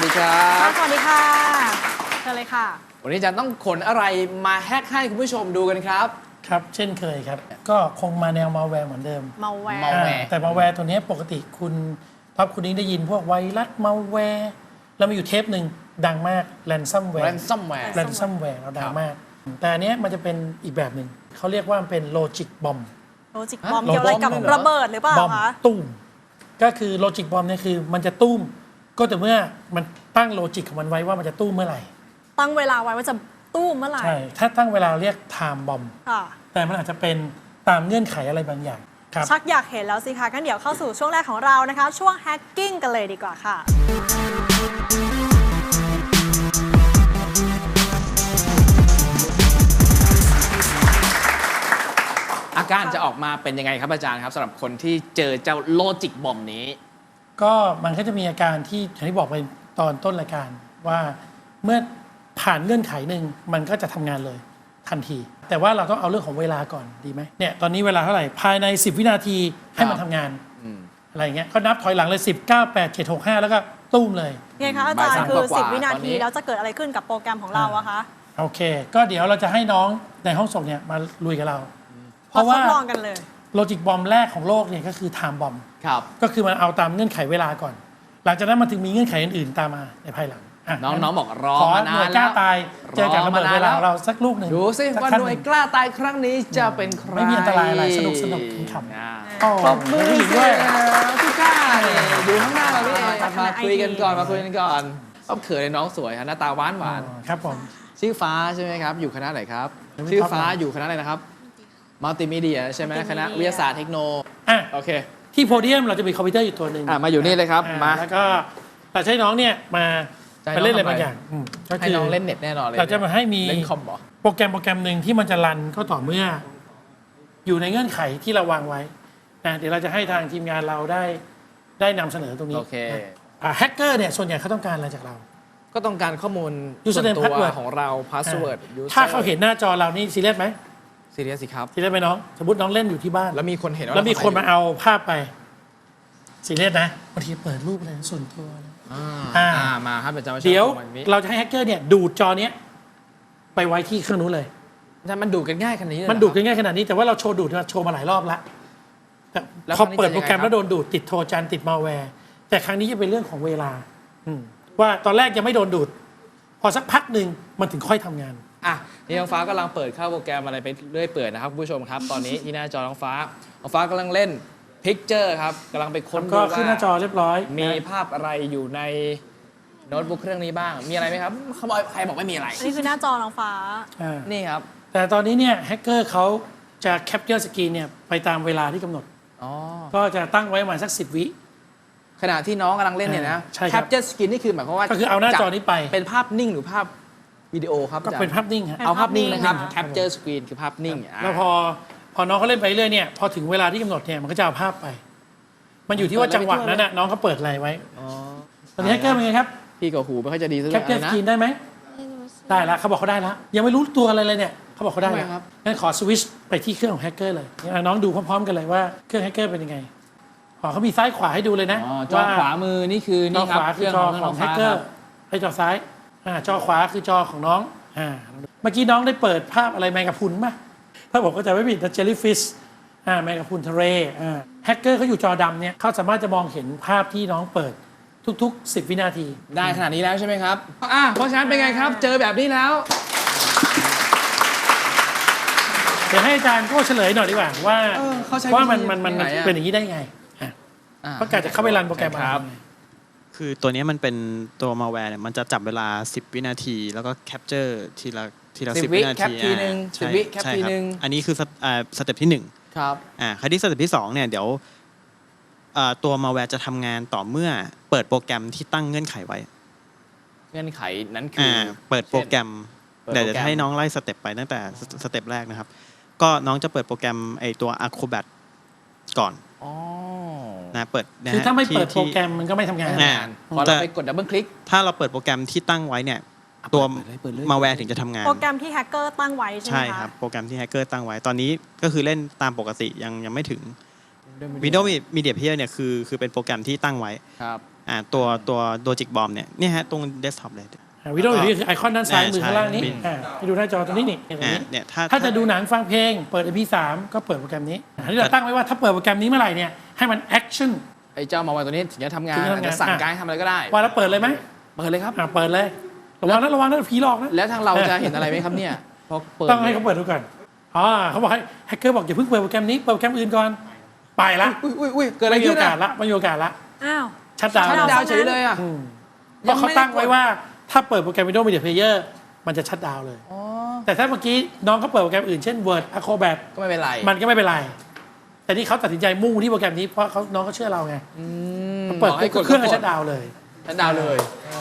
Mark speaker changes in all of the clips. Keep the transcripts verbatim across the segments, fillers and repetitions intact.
Speaker 1: ดีครับ
Speaker 2: สวัสดีค่ะเชิญเลยค่ะ
Speaker 1: วันนี้จะต้องขนอะไรมาแฮกให้คุณผู้ชมดูกันครับ
Speaker 3: ครับเช่นเคยครับก็คงมาแนวมาแวร์เหมือนเดิม
Speaker 2: มาแวร์
Speaker 1: malware
Speaker 3: แต่มาแวร์ตัวนี้ปกติคุณพับคุณนิ้งได้ยินพวกไวรัสมาแวร์แล้วมีอยู่เทปหนึ่งดังมากแรนซัมแวร์
Speaker 1: ransomware
Speaker 3: แรนซัมแวร์เราดังมาก แต่อันเนี้ยมันจะเป็นอีกแบบหนึ่งเขาเรียกว่ามันเป็นโลจิกบอม
Speaker 2: โลจิกบอมเกี่ยวอะไรกับระเบิดหรือเปล่า
Speaker 3: บอม
Speaker 2: คะ
Speaker 3: ตุ้มก็คือโลจิกบอมเนี่ยคือมันจะตุ้มก็แต่เมื่อมันตั้งโลจิกของมันไว้ว่ามันจะตุ้มเมื่อไหร่
Speaker 2: ตั้งเวลาไว้ว่าจะตู้มเมื่อไหร่
Speaker 3: ใช่ถ้าตั้งเวลาเรียกไทม์บอม
Speaker 2: ค่ะ
Speaker 3: แต่มันอาจจะเป็นตามเงื่อนไขอะไรบางอย่างครับ
Speaker 2: ชักอยากเห็นแล้วสิคะงั้นเดี๋ยวเข้าสู่ช่วงแรกของเรานะคะ ช่วงแฮกกิ้งกันเลยดีกว่าค่ะ
Speaker 1: อาการจะออกมาเป็นยังไงครับอาจารย์ครับสำหรับคนที่เจอเจ้าโลจิกบอมนี้
Speaker 3: ก็มันก็จะมีอาการที่อย่างที่บอกไปตอนต้นรายการว่าเมื่อผ่านเงื่อนไขหนึ่งมันก็จะทำงานเลยทันที แต่ว่าเราต้องเอาเรื่องของเวลาก่อนดีไหมเนี่ยตอนนี้เวลาเท่าไหร่ภายในสิบวินาทีให้มันทำงานอะไรอย่างเงี้ยก็นับถอยหลังเลยสิบ เก้า แปด เจ็ด หก ห้าแล้วก็ตุ้มเลย
Speaker 2: ไงคะอาจารย์คือสิบวินาทีแล้วจะเกิดอะไรขึ้นกับโปรแกรมของเราอะคะ
Speaker 3: โอเคก็เดี๋ยวเราจะให้น้องในห้องส่งเนี่ยมาลุยกับเรา
Speaker 2: เพราะว่าทดลองกันเลย
Speaker 3: โลจิกบอมแรกของโลกเนี่ยก็คือไทม์บอม
Speaker 1: ครับ
Speaker 3: ก็คือมันเอาตามเงื่อนไขเวลาก่อน หลังจากนั้นมันถึงมีเงื่อนไขอื่นๆตามมาในภายหลัง
Speaker 1: น้องๆบอกรอ
Speaker 3: ขอ
Speaker 1: มา
Speaker 3: ห
Speaker 1: นา
Speaker 3: น่วย
Speaker 1: น
Speaker 3: กล้า
Speaker 1: แล้ว
Speaker 3: ตายเจอกับระเบิดเวลาของเราสักลูกหนึ่ง
Speaker 1: ดูสิว่าหน่วยกล้าตายครั้งนี้จะเป็นใคร
Speaker 3: ไม่มีอันตรายอะไรสนุกสนุกขำ
Speaker 1: ๆปรบมือด้วยพี่กล้าเนี่ยอยู่ข้างหน้าเราพี่เองมาคุยกันก่อนมาคุยกันก่อนเอาเขินเลยน้องสวยฮะหน้าตาหวานหวาน
Speaker 3: ครับผม
Speaker 1: ชื่อฟ้าใช่ไหมครับอยู่คณะไหนครับชื่อฟ้าอยู่คณะอะไรนะครับมัลติมีเดียใช่ไหมคณะวิทยาศาสตร์เทคโน
Speaker 3: อ่ะ
Speaker 1: โอเค
Speaker 3: ที่โพเดียมเราจะมีคอมพิวเตอร์อยู่ตัวหนึ่ง
Speaker 1: อ่ะมาอยู่นี่เลยครับมา
Speaker 3: แล้วก็เราใช้น้องเนี่ยมาไปเล่นอะไรบางอย่าง
Speaker 1: ก็คือให้น้องเล่นเน็ตแน่นอนเลย
Speaker 3: เราจะมาให้มี
Speaker 1: เล่นคอมบอ
Speaker 3: โปรแกรมโปรแกรมหนึ่งที่มันจะรันก็ต่อเมื่ออยู่ในเงื่อนไขที่เราวางไว้นะเดี๋ยวเราจะให้ทางทีมงานเราได้ได้นำเสนอตรงนี้
Speaker 1: โอเค
Speaker 3: แฮกเกอร์เนี่ยส่วนใหญ่เขาต้องการอะไรจากเรา
Speaker 1: ก็ต้องการข้อมูล
Speaker 3: ส่วน
Speaker 1: ตัวของเราพาสเวิร์ด
Speaker 3: ถ้าเขาเห็นหน้าจอเรานี่ซีเรียสไหม
Speaker 1: ซีเรียสสิครับ
Speaker 3: ซีเรียสไหมน้องสมมติน้องเล่นอยู่ที่บ้าน
Speaker 1: แล้วมีคนเห็น
Speaker 3: แล้วมีคนมาเอาภาพไปซีเรียสนะบางทีเปิดรูปอะไรส่วนตัว
Speaker 1: อ่ามาครับอาจารย์
Speaker 3: เดี๋ยวเราจะให้แฮกเกอร์เนี่ยดูดจอเนี้ยไปไว้ที่เครื่องนู้นเลย
Speaker 1: มันดูดกันง่ายขนาดนี้
Speaker 3: มันดูดกันง่ายขนาดนี้แต่ว่าเราโชว์ดูดเราโชว์มาหลายรอบแล้วพอเปิดโปรแกรมแล้วโดนดูดติดโทรจันติดมาแวร์แต่ครั้งนี้จะเป็นเรื่องของเวลาว่าตอนแรกยังไม่โดนดูดพอสักพักหนึ่งมันถึงค่อยทำงาน
Speaker 1: อ่ะนี่น้องฟ้ากำลังเปิดเข้าโปรแกรมอะไรไปเรื่อยเปื่อยนะครับผู้ชมครับตอนนี้ที่หน้าจอน้องฟ้าน้องฟ้ากำลังเล่นพิกเจอร์ครับกำลังไปค้นดูว่า
Speaker 3: ขึ้นหน้าจอเรียบร้อย
Speaker 1: มีภาพอะไรอยู่ในโน้ตบุ๊กเครื่องนี้บ้างมีอะไรไหมครับเขาบอกใครบอกไม่มีอะไร
Speaker 2: นี่คือหน้าจอน้องฟ้า
Speaker 1: นี่ครับ
Speaker 3: แต่ตอนนี้เนี่ยแฮกเกอร์เขาจะแคปเจอร์สกรีนเนี่ยไปตามเวลาที่กำหนดก็จะตั้งไว้ประมาณสักสิบวิ
Speaker 1: ขณะที่น้องกำลังเล่นเนี่ยนะแคปเจอร์สกรีนนี่คือหมายความว่า
Speaker 3: ก็คือเอาหน้าจอนี้ไป
Speaker 1: เป็นภาพนิ่งหรือภาพวิดีโอครับ
Speaker 3: ก็เป็นภาพนิ่ง
Speaker 1: เอาภาพนิ่งนะครับแคปเจอร์สกรีนคือภาพนิ่ง
Speaker 3: แล้วพอพอน้องเขาเล่นไปเรื่อยเนี่ยพอถึงเวลาที่กำหนดเนี่ยมันก็จะเอาภาพไปมันอยู่ที่ว่าจังหวะนั้นน่ะน้องเขาเปิดอะไรไว้ตอนนี้แฮกเกอร์เป็นไงครับ
Speaker 1: พี่กับหูไม่ค่อยจะดีสัก
Speaker 3: แคปเจอร์สกรีนได้ไหมได้แล้วเขาบอกเขาได้แล้วยังไม่รู้ตัวอะไรเลยเนี่ยเขาบอกเขาได้แล้วงั้นขอสวิชไปที่เครื่องของแฮกเกอร์เลยน้องดูพร้อมๆกันเลยว่าเครื่องแฮกเกอร์เป็นยังไงอ๋อเขามีซ้ายขวาให้ดูเลยนะ
Speaker 1: จอขวามือนี่คือนี่ครับ
Speaker 3: คือจอของแฮกเกอร์ให้จอซ้ายจอขวาคือจอของน้องอ่าเมื่อกี้น้องได้เปิดภาพอะไรแมงกะพรุนป่ะถ้าบอกก็จะไม่ผิดนะเจลลี่ฟิชอ่าแมงกะพรุนทะเลอ่าแฮกเกอร์เขาอยู่จอดำเนี่ยเขาสามารถจะมองเห็นภาพที่น้องเปิดทุกๆสิบวินาที
Speaker 1: ได้ขนาดนี้แล้วใช่ไหมครับอ่าเพราะฉะนั้นเป็นไงครับเจอแบบนี้แล้ว
Speaker 3: เดี๋ยวให้อาจารย์ก็เฉลยหน่อยดีกว่าว่าว่ามันมันมันเป็นอย่างนี้ได้ไงเพราะการจะเข้าไปรันโปรแกรมครับ
Speaker 4: คือตัวนี้มันเป็นตัวมาแวร์เนี่ยมันจะจับเวลาสิบวินาทีแล้วก็แคปเจอร์ทีละทีละสิบวินาที
Speaker 1: ทีนึงสิบวิแคปทีนึง
Speaker 4: อันนี้คือสเต็ปที่หนึ่ง
Speaker 1: ครับ
Speaker 4: อ่าคราวที่สเต็ปที่สองเนี่ยเดี๋ยวตัวมาแวร์จะทำงานต่อเมื่อเปิดโปรแกรมที่ตั้งเงื่อนไขไว้
Speaker 1: เงื่อนไขนั้นคือ
Speaker 4: เปิดโปรแกรมเดี๋ยวจะให้น้องไล่สเต็ปไปตั้งแต่สเต็ปแรกนะครับก็น้องจะเปิดโปรแกรมไอตัว Acrobat ก่อนนะเปิด
Speaker 3: คือถ้าไม่เปิดโปรแกรมมันก็ไม่ทำงาน
Speaker 1: พอเราไปกดดับเบิลคลิก
Speaker 4: ถ้าเราเปิดโปรแกรมที่ตั้งไว้เนี่ยตัวมาแวร์ถึงจะทำงาน
Speaker 2: โปรแกรมที่แฮกเกอร์ตั้งไว้ใช่ไหมคะ
Speaker 4: ใช่ครับโปรแกรมที่แฮกเกอร์ตั้งไว้ตอนนี้ก็คือเล่นตามปกติยังยังไม่ถึง Windows Media Player เนี่ยคือคือเป็นโปรแกรมที่ตั้งไว้อ่าตัวตัวโลจิกบอมเนี่ยเนี่ยฮะตรงเดสก์ท็อปเลย
Speaker 3: วิดีโออยู่นี่คือไอคอนด้านซ้ายมือ
Speaker 4: ใช่
Speaker 3: ข้างล่างนี้
Speaker 4: ใช่
Speaker 3: อ่าให้ดูหน้าจอตรงนี้นี่ตรง
Speaker 4: อ่า
Speaker 3: นี้
Speaker 4: เนี่ยถ้า
Speaker 3: ถ้าจะดูหนังฟังเพลงเปิด เอ็ม พี สาม ก็เปิดโปรแกรมนี้อันนี้เราตั้งไว้ว่าถ้าเปิดโปรแกรมนี้เมื่อไหร่เนี่ยให้มันแอคชั่น
Speaker 1: ไอ้เจ้ามาวันตัวนี้ถึงจะทำงาน
Speaker 3: ถึงจะทำงาน
Speaker 1: อาจจะสั่งการให้ทำอะไรก็ได้
Speaker 3: ว่าแล้วเปิดเลยไหม
Speaker 1: เปิดเลยครับ
Speaker 3: อ่าเปิดเลยระวังนะระวังนะผีหลอกนะ
Speaker 1: แล้วทางเราจะเห็นอะไรไหมครับเนี่ยพอเปิด
Speaker 3: ต้องให้เขาเปิดดูก่อนอ๋อเขาบอกให้แฮกเกอร์บอกอย่าเพิ่งเปิดโปรแกรมนี้เปิดโปรแกรมอื่นก่อนไปละ
Speaker 1: อุ้ยอุ้ยอุ้ยเกิดอะไร
Speaker 3: ไม่มี
Speaker 1: ขึ้
Speaker 3: โอน กา
Speaker 1: อะ
Speaker 3: สละไม่มีโอกาสละ
Speaker 2: อ้าว
Speaker 3: ชัดดาวน์
Speaker 2: ชั
Speaker 1: ชัด
Speaker 2: ด
Speaker 1: ดาวน์เฉยเลยอ่ะ
Speaker 3: อืมเพราะเขาตั้งไว้ว่าถ้าเปิดโปรแกรม Windows Media Player มันจะชัดดาวน์เลย
Speaker 1: อ๋อ
Speaker 3: แต่ถ้าเมื่อกี้น้องเขาเปิดโปรแกรมอื่นเช่น Word Acrobat
Speaker 1: ก็ไม่เป็นไร
Speaker 3: มันก็ไม่เป็นไร แต่นี่เขาตัดสินใจมุ่งที่โปรแกรมนี้เพราะเขาน้องเขาเชื่อเราไง
Speaker 1: อืม
Speaker 3: เปิด
Speaker 1: บอกให้กด
Speaker 3: เครื่องก็
Speaker 1: ก็กด
Speaker 3: ชัดดาวน์เลย
Speaker 1: ชัดดาวน์เลย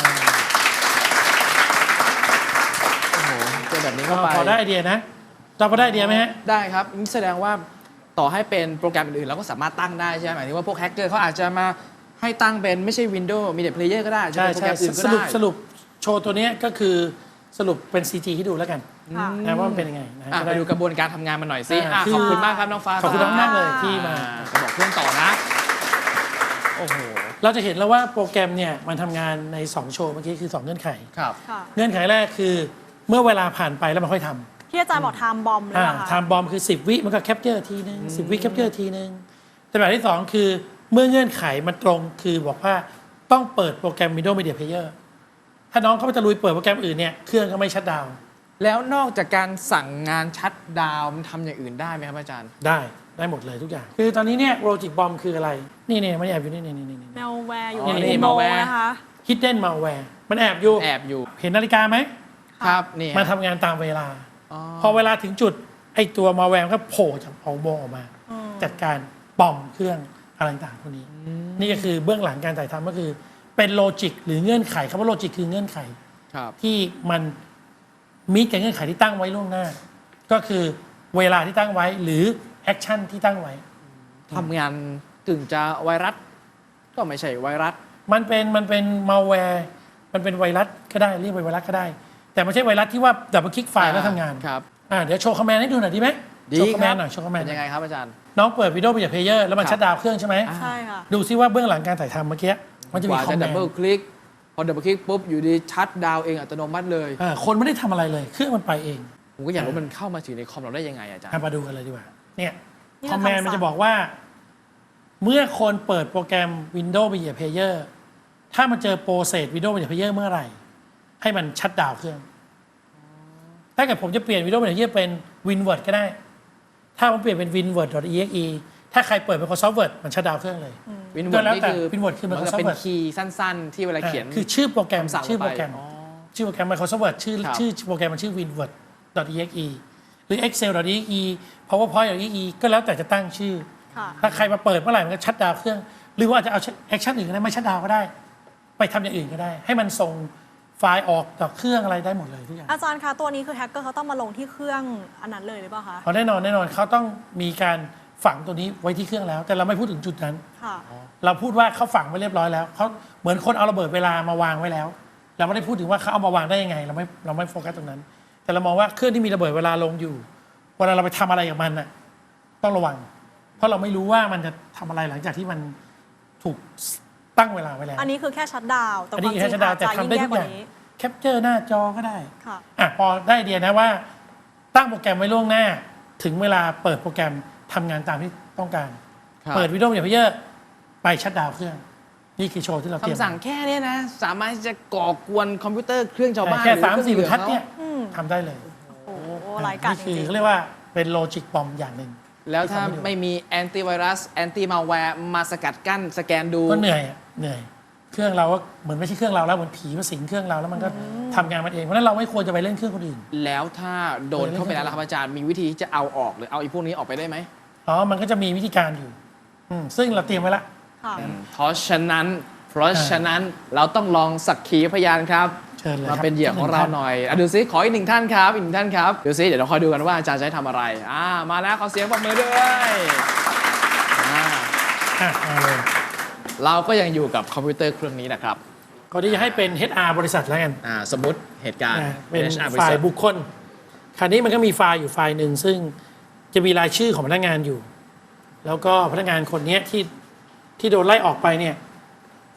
Speaker 1: โอ้โหเจอแบบนี้เข้าไป
Speaker 3: พอได้ไอเดียนะเราพอได้ไอเดียไหมฮะ
Speaker 1: ได้ครับนี่แสดงว่าต่อให้เป็นโปรแกรมอื่นๆเราก็สามารถตั้งได้ใช่ไหมหมายถึงว่าพวกแฮกเกอร์เขาอาจจะมาให้ตั้งเป็นไม่ใช่ Windows Media Player ก็ได้จะ
Speaker 3: ใช่
Speaker 1: เป็นโปร
Speaker 3: ใช่
Speaker 1: แกรมอื่นก็
Speaker 3: สรุป
Speaker 1: ได้
Speaker 3: สรุปโชว์ตัวเนี้ยก็คือสรุปเป็น ซี จี ให้ดูแล้วกัน
Speaker 2: ค่ะ
Speaker 3: นะว่ามันเป็นยังไงนะ
Speaker 1: อ่ะ
Speaker 3: จะ
Speaker 1: ไปดูกระบวนการทำงานมันหน่อยสิ
Speaker 3: อ่า
Speaker 1: อ่ะ
Speaker 3: คือ
Speaker 1: ขอบคุณมากครับน้องฟ้า
Speaker 3: ขอบคุณน้องมากเลยที่มา
Speaker 1: อ่ก็บอกเพื่อนต่อนะ โอ้โห
Speaker 3: เราจะเห็นแล้วว่าโปรแกรมเนี่ยมันทำงานใน สอง โชว์เมื่อกี้คือ สอง เงื่อนไข
Speaker 1: ครับ
Speaker 2: ค่ะ
Speaker 3: เงื่อนไขแรกคือเมื่อเวลาผ่านไปแล้วมันค่อยทำ
Speaker 2: ที่อาจารย์บอกไทม์บอมเลย
Speaker 3: อ่า
Speaker 2: ป่ะ
Speaker 3: ไท
Speaker 2: คะ
Speaker 3: ม์บอมคือ สิบ วิมันก็แคปเจอร์ทีนึงสิบ วิแคปเจอร์ทีนึงแต่แบบที่สองคือเมื่อเงื่อนไขมันตรงคือบอกว่าต้องเปิดโปรแกรม Windows Media Player ถ้าน้องเขาจะลุยเปิดโปรแกรมอื่นเนี่ยเครื่องก็ไม่ชัตดาวน์
Speaker 1: แล้วนอกจากการสั่งงานชัดดาวน์มันทำอย่างอื่นได้ไหมครับอาจารย์
Speaker 3: ได้ได้หมดเลยทุกอย่าง คือตอนนี้เนี่ยโลจิกบอมคืออะไร นี่เนี่ยมันแอบอยู่นี่นี่นี่นี่
Speaker 2: แมวแวร์อยู่
Speaker 1: อ๋อ
Speaker 2: ใน
Speaker 1: นี่
Speaker 2: โม
Speaker 1: malware
Speaker 2: นะคะ
Speaker 3: Hidden Malware มันแอบอยู่
Speaker 1: แอบอยู่
Speaker 3: เห็นนาฬิกาไหม
Speaker 1: ครับนี่
Speaker 3: มันทำงานตามเวลา
Speaker 1: อ๋อ
Speaker 3: พอเวลาถึงจุดไอ้ตัวมาแวร์ก็โผล่จากออกโบออกมา
Speaker 2: อืม
Speaker 3: จัดการปอมเครื่องอะไรต่างๆพวกนี้ นี่ก็คือเบื้องหลังการถ่ายทำก็คือเป็นโลจิกหรือเงื่อนไขคำว่าโลจิกคือเงื่อนไข
Speaker 1: ครับ
Speaker 3: ที่มันมีกับเงื่อนไขที่ตั้งไว้ล่วงหน้า ก็คือเวลาที่ตั้งไว้หรือแอคชั่นที่ตั้งไว้
Speaker 1: ทำงานกึ่งจะไวรัส ก็ไม่ใช่ไวรัส
Speaker 3: มันเป็นมันเป็นมาแวร์มันเป็นไวรัสก็ได้เรียกเป็นไวรัสก็ได้ แต่ไม่ใช่ไวรัสที่ว่าดับเบิลคลิกไฟล์แล้วทำงาน
Speaker 1: ครับ
Speaker 3: อ่าเดี๋ยวโชว์คอมแมนด์ให้ดูหน่อยดีไหม
Speaker 1: ดี
Speaker 3: โชว์คอม
Speaker 1: ค
Speaker 3: แม
Speaker 1: รั
Speaker 3: นด์หน่อยโชว์คอมแมน
Speaker 1: เป็
Speaker 3: ด์
Speaker 1: นยังไงครับอาจารย์
Speaker 3: น้องเปิดวิดีโอ Media Player แล้วมัน
Speaker 1: ครับ
Speaker 3: ชัดดาวน์เครื่องใช่ไหม
Speaker 1: อ่า
Speaker 2: ใช่ค่ะ
Speaker 3: ดูซิว่าเบื้องหลังการถ่ายทำเมื่อกี้มันจะ
Speaker 1: ก
Speaker 3: มี
Speaker 1: ว่า
Speaker 3: คอ
Speaker 1: จะ
Speaker 3: มแม
Speaker 1: ดับ
Speaker 3: น
Speaker 1: เบิล
Speaker 3: ด์
Speaker 1: คลิกพอดับเบิลคลิกปุ๊บอยู่ดีชัดดาวน์เองอัตโนมัติเลย
Speaker 3: อ่าคนไม่ได้ทำอะไรเลย เครื่องมันไปเอง
Speaker 1: ผมก็อยากรู้มันเข้ามาถึงในคอมเราได้ยังไงอาจารย์
Speaker 3: อ่ะมาดูกันเลยดีกว่าเนี่ย
Speaker 2: นี่
Speaker 3: คอมแมนด์
Speaker 2: คำสั่ง
Speaker 3: มันจะบอกว่า เมื่อคนเปิดโปรแกรม Windows Media Player ถ้ามันเจอโปรเซส Windows Media Player เมื่อไหร่ ให้มันชัดดาวน์เครื่อง ถ้าเกิดผมจะเปลี่ยน Windows Media Player เป็น WinWord ก็ได้ ถ้าผมเปลี่ยนเป็น winword.exe ถ้าใครเปิด Microsoft Word มันชัดดาวน์เครื่องเลย
Speaker 1: วิน
Speaker 3: ก็
Speaker 1: เวิร์ด
Speaker 3: แล้ว
Speaker 1: นี่
Speaker 3: แต่
Speaker 1: คือ
Speaker 3: Winword คือ
Speaker 1: มันก็
Speaker 3: Microsoft
Speaker 1: เป็น
Speaker 3: Word
Speaker 1: คีย์สั้นๆ ที่เวลาเขียน
Speaker 3: อ่าคือชื่อโปรแกรม
Speaker 1: คำสั่ง
Speaker 3: ชื่อโปรแกรม
Speaker 1: ลงไปอ๋อ
Speaker 3: ชื่อโปรแกรม Microsoft Word ชื่อ
Speaker 1: ครับ
Speaker 3: ชื่อโปรแกรมมันชื่อ winword.exe หรือ excel.exe powerpoint.exe ก็แล้วแต่จะตั้งชื่อ
Speaker 2: ค่ะ
Speaker 3: ถ้าใครมาเปิดเมื่อไหร่มันก็ชัดดาวน์เครื่อง หรือว่าอาจจะเอาแอคชั่นอื่นก็ได้ไม่ชัดดาวน์ก็ได้ ไปทำอย่างอื่นก็ได้ ให้มันส่งไฟล์ออกจากเครื่องอะไรได้หมดเลยทุกอย่าง
Speaker 2: อาจารย์คะตัวนี้คือแฮกเกอร์เขาต้องมาลงที่เครื่องอันนั้นเลยหรือเปล่าคะ
Speaker 3: เพราะแน่นอนแน่นอนเขาต้องมีการฝังตัวนี้ไว้ที่เครื่องแล้ว แต่เราไม่พูดถึงจุดนั้น
Speaker 2: ค่ะ
Speaker 3: เราพูดว่าเขาฝังไว้เรียบร้อยแล้วเขาเหมือนคนเอาระเบิดเวลามาวางไว้แล้ว เราไม่ได้พูดถึงว่าเขาเอามาวางได้ยังไง เราไม่เราไม่โฟกัสตรงนั้น แต่เรามองว่าเครื่องที่มีระเบิดเวลาลงอยู่เวลาเราไปทำอะไรกับมันน่ะต้องระวัง เพราะเราไม่รู้ว่ามันจะทำอะไรหลังจากที่มันถูกตั้งเวลาไว้แล้ว
Speaker 2: อันนี้คือแค่ชัดดาวน์แต่
Speaker 3: อัน
Speaker 2: ค
Speaker 3: นี้
Speaker 2: วาม
Speaker 3: คือ
Speaker 2: จริ
Speaker 3: แค่
Speaker 2: ง
Speaker 3: ชัดดาวน์
Speaker 2: อาจจะ
Speaker 3: แต่
Speaker 2: ยิ่
Speaker 3: ทำ
Speaker 2: ง
Speaker 3: ได้
Speaker 2: แย่
Speaker 3: ทุก
Speaker 2: ก
Speaker 3: อ
Speaker 2: ว่า
Speaker 3: ย่าง
Speaker 2: นี้
Speaker 3: แคปเจอร์หน้าจอก็ได้
Speaker 2: ค่ะ
Speaker 3: อ่ะพอได้ไอเดียนะว่า ตั้งโปรแกรมไว้ล่วงหน้า ถึงเวลาเปิดโปรแกรมทำงานตามที่ต้องการ
Speaker 1: ครับ
Speaker 3: เปิดวิดีโออย่างเพเยอร์ไปชัดดาวน์เครื่อง นี่คือโชว์ที่เราเตรียม
Speaker 1: คำสั่งแค่เนี้ยนะ สามารถที่จะก่อกวนคอมพิวเตอร์เครื่องชาวบ้าน
Speaker 3: แค่
Speaker 1: หรือ
Speaker 3: สามสี่บร
Speaker 1: เค
Speaker 3: ร
Speaker 1: อง
Speaker 3: ทัด
Speaker 1: ขา
Speaker 3: เนี่ย
Speaker 2: อืม
Speaker 3: ทำได้เลย
Speaker 2: โอ้โหหลายกัด
Speaker 3: นี่
Speaker 2: จ
Speaker 3: คือ
Speaker 2: ริง
Speaker 3: เขาเรียกว่าเป็นโลจิกบอมอย่างหนึ่ง
Speaker 1: แล้วถ้าไม่มีแอนตี้ไวรัสแอนตี้มาแวร์มาสกัดกั้นสแกนดู
Speaker 3: ก็เหนื่อยอะเหนื่อย เครื่องเราก็เหมือนไม่ใช่เครื่องเราแล้วเหมือนผีมาสิงเครื่องเราแล้วมันก็ทำงานมันเองเพราะฉะนั้นเราไม่ควรจะไปเล่นเครื่องคนอื่น
Speaker 1: แล้วถ้าโดนเข้าไปแล้วล่ะครับอาจารย์มีวิธีที่จะเอาออกหรือเอาไอ้พวกนี้ออกไปได้ไหม
Speaker 3: อ๋อมันก็จะมีวิธีการอยู่อืมซึ่งเราเตรียมไว้ละ
Speaker 2: ๆค่ะ
Speaker 1: เพราะฉะนั้น เพราะฉะนั้นเราต้องลองสักขีพยานครับ
Speaker 3: เชิญเลย
Speaker 1: มา
Speaker 3: ครับ
Speaker 1: เป็นเหยื่อของเราหน่อยอ่ะดูซิขออีกหนึ่งท่านครับอีกหนึ่งท่านครับดูซิเดี๋ยวเราคอยดูกันว่าอาจารย์จะให้ทำอะไรอ่ามาแล้วขอเสียงปรบมือด้วยอ่า
Speaker 3: อ่ะมาเลย
Speaker 1: เราก็ยังอยู่กับคอมพิวเตอร์เครื่องนี้นะครับ
Speaker 3: ก็ที่จะให้เป็น เอช อาร์ บริษัทแล้วกัน
Speaker 1: อ่าสมมติเหตุการณ์
Speaker 3: อ่ะเป็น
Speaker 1: เอช อาร์ บริ
Speaker 3: ฝ่า
Speaker 1: ษั
Speaker 3: ย
Speaker 1: ท
Speaker 3: บุคคล คราวนี้มันก็มีไฟล์อยู่ไฟล์หนึ่งซึ่งจะมีรายชื่อของพนักงานอยู่ แล้วก็พนักงานคนเนี้ยที่ที่โดนไล่ออกไปเนี่ย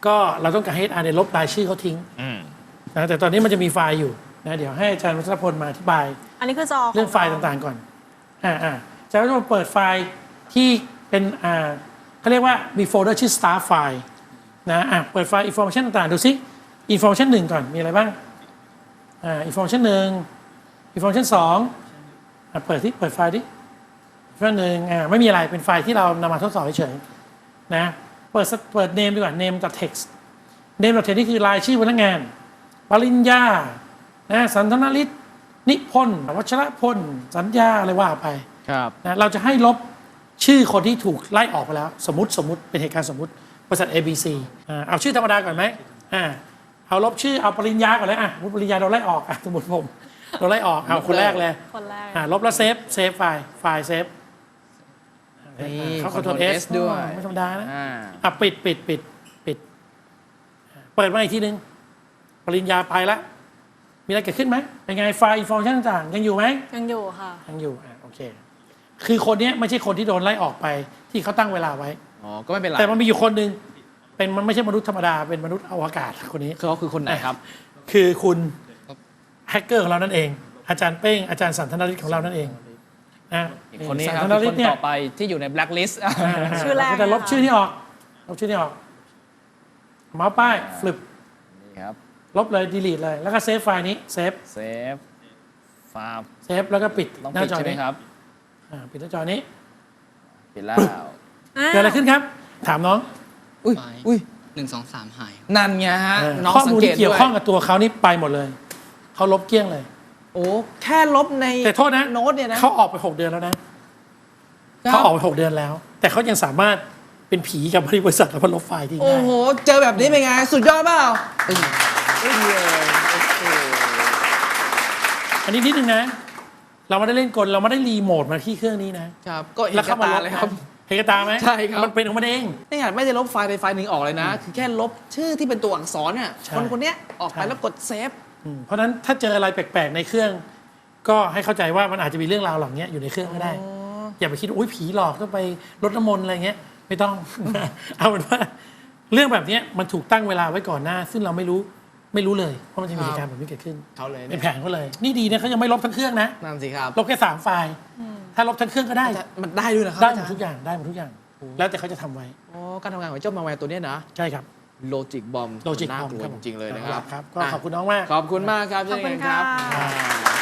Speaker 3: ก็เราต้องการให้ เอช อาร์ เนี่ยลบรายชื่อเขาทิ้ง
Speaker 1: อืม
Speaker 3: นะแต่ตอนนี้มันจะมีไฟล์อยู่นะเดี๋ยวให้อาจารย์วัชรพลมาอธิบาย
Speaker 2: อันนี้คือจอ
Speaker 3: เรื่องไฟล์ต่างๆก่อนอ่าอ่าอาจารย์วัชรพลเปิดไฟล์ที่เป็นอ่าเขาเรียกว่ามีโฟลเดอร์ชื่อ start file นะอ่ะเปิดไฟล์ information ต่างๆดูซิ information หนึ่งก่อนมีอะไรบ้างอ่า information หนึ่ง information สองอ่ะเปิดที่เปิดไฟล์ดิ information หนึ่งอ่าไม่มีอะไรเป็นไฟล์ที่เรานำมาทดสอบเฉยๆนะเปิดเปิด name ดีกว่า name กับ text name กับ text นี่คือรายชื่อพนักงานปริญญานะสันทนาฤทธิ์นิพนธ์วัชรพลสัญญาอะไรว่าไป
Speaker 1: ครับ
Speaker 3: นะเราจะให้ลบชื่อคนที่ถูกไล่ออกไปแล้ว สมมติสมมติเป็นเหตุการณ์สมมติบริษัท เอ บี ซี อ่าเอาชื่อธรรมดาก่อนไหมอ่าเอาลบชื่อเอาปริญญาก่อนเลยอ่ะสมมติปริญญาเราไล่ออกอ่ะสมมติผมเราไล่ออกเอาคนแรกเลย
Speaker 2: คนแรก
Speaker 3: อ่าลบแล้วเซฟเซฟไฟล์ไฟล์เซฟ
Speaker 1: นี่
Speaker 3: เขาคอนโทรล
Speaker 1: Ctrl
Speaker 3: S
Speaker 1: S ด้วย
Speaker 3: ไม่ธรรมดานะ
Speaker 1: อ่า
Speaker 3: อ่ะปิดปิดปิดปิดอ่าเปิดมาอีกทีนึงปริญญาไปละมีอะไรเกิดขึ้นไหมเป็นไงไฟล์อินโฟร์ชันต่างๆยังอยู่ไหม
Speaker 2: ยังอยู่ค่ะ
Speaker 3: ยังอยู่อ่ะโอเค คือคนเนี้ยไม่ใช่คนที่โดนไล่ออกไปที่เขาตั้งเวลาไว้
Speaker 1: อ๋อ ก็ไม่เป็นไร
Speaker 3: แต่มันมีอยู่คนหนึ่งเป็นมันไม่ใช่มนุษย์ธรรมดาเป็นมนุษย์อวกาศคนนี้
Speaker 1: คือเขาคือคนไหนครับ
Speaker 3: คือคุณแฮกเกอร์ของเรานั่นเอง อาจารย์เป้งอาจารย์สันทนาฤทธิ์ของเรานั่นเองนะ
Speaker 1: คนนี้
Speaker 3: สั
Speaker 1: ครับ
Speaker 3: ทนา
Speaker 1: คือ
Speaker 3: ฤ
Speaker 1: ค
Speaker 3: ท
Speaker 1: น
Speaker 3: ธิ์เนี่ย
Speaker 1: ต่อไปที่อยู่ในแบล็คลิสต์
Speaker 2: ชื่อแรก
Speaker 3: เราจะลบ
Speaker 2: นะคะ
Speaker 3: ชื่อนี้ออกลบชื่อนี้ออกเมาส์ป้ายฟลิป
Speaker 1: นี่ครับ
Speaker 3: ลบเลย delete เลยแล้วก็เซฟไฟล์นี้เซฟ
Speaker 1: เซฟฟาร์ม
Speaker 3: เซฟแล้วก็ปิด
Speaker 1: ต้อง
Speaker 3: หน้า
Speaker 1: ปิด
Speaker 3: จอ
Speaker 1: ใช่ไหม
Speaker 3: นี้
Speaker 1: ครับ
Speaker 3: อ่าปิดหน้าจอนี้
Speaker 1: ปิดแล้ว
Speaker 2: อ้าว
Speaker 3: เกิดอะไรขึ้นครับ ถามน้อง
Speaker 1: อุ้ย อุ้ย
Speaker 5: หนึ่งสองสามหาย
Speaker 1: นั่นไงฮะ น้อง
Speaker 3: ข้อ
Speaker 1: สัง
Speaker 3: มูล
Speaker 1: เก
Speaker 3: ที่
Speaker 1: ต
Speaker 3: เกี่ย
Speaker 1: ด้
Speaker 3: ว
Speaker 1: วย
Speaker 3: ข้องกับตัวเขานี่ไปหมดเลยเขาลบเกลี้ยงเลย
Speaker 1: โอ้ แค่ลบใน
Speaker 3: แต่โทษนะ
Speaker 1: โน้ตเนี่ยนะ
Speaker 3: เขาออกไปหกเดือนแล้วนะ
Speaker 1: ครับ
Speaker 3: เขาออกไปหกเดือนแล้ว แต่เขายังสามารถเป็นผีกับบริษัทแล้วก็ลบไฟล์ทิ้ง
Speaker 1: โอ้
Speaker 3: ได้
Speaker 1: โห เจอแบบนี้เป็นไง สุดยอดเปล่าอึ้งอึ้งเลยโอ้โห
Speaker 3: อันนี้นิดนึงนะ เราไม่ได้เล่นกลเราไม่ได้รีโมทมาที่เครื่องนี้นะครับ
Speaker 1: ก็เห็น
Speaker 3: แล้ว
Speaker 1: กระ
Speaker 3: เข้ามา
Speaker 1: ตา
Speaker 3: ลบ
Speaker 1: เลย
Speaker 3: นะ
Speaker 1: ครับ
Speaker 3: เห็นกระตาไหม
Speaker 1: ใช่ครับ
Speaker 3: มันเป็นของมันเอง
Speaker 1: นี่ไงไม่ได้ลบไฟล์ใดไฟล์หนึ่งออกเลยนะ คือแค่ลบชื่อที่เป็นตัวอักษรเนี่ย
Speaker 3: ใช่
Speaker 1: คนคนเนี้ยออกไป
Speaker 3: ใช่
Speaker 1: แล้วกดเซฟ
Speaker 3: อืมเพราะฉะนั้นถ้าเจออะไรแปลกๆในเครื่อง ก็ให้เข้าใจว่ามันอาจจะมีเรื่องราวเหล่านี้อยู่ในเครื่องก็ได้ อย่าไปคิดว่าอุ้ยผีหลอกต้องไปรดน้ำมนต์อะไรเงี้ยไม่ต้อง เอาเป็นว่า เรื่องแบบเนี้ยมันถูกตั้งเวลาไว้ก่อนหน้า ซึ่งเราไม่รู้ไม่รู้เลยว่ามันจะมีเหตุการณ์แบบนี้เกิดขึ้น
Speaker 1: เขาเลย
Speaker 3: เป็
Speaker 1: เนี่
Speaker 3: น
Speaker 1: ย
Speaker 3: แผนเขาเลย นี่ดีนะเขายังไม่ลบทั้งเครื่องนะ
Speaker 1: นั่นสิครับ
Speaker 3: ลบแค่สามไฟล์ ถ้าลบทั้งเครื่องก็ได้
Speaker 1: แต่มันได้ด้วยนะครับ
Speaker 3: ได้หมด
Speaker 1: อาจารย์
Speaker 3: ทุกอย่างได้หมดทุกอย่าง แล้วแต่เขาจะทำไว้
Speaker 1: อ๋อการทำงานของเจ้ามาแวร์ตัวเนี้ยนะ
Speaker 3: ใช่ครับ
Speaker 1: โลจิกบอม
Speaker 3: โลจิก
Speaker 1: น่า
Speaker 3: คอม
Speaker 1: กลัว
Speaker 3: ครับ
Speaker 1: จริงๆเลยนะครับ
Speaker 3: ครับก็
Speaker 1: อ่ะ
Speaker 3: ขอบคุณน้องมาก
Speaker 1: ขอบคุณมากครับ
Speaker 2: ขอบคุณ
Speaker 1: เช่นกันครับ
Speaker 2: ค่ะ
Speaker 1: อ่า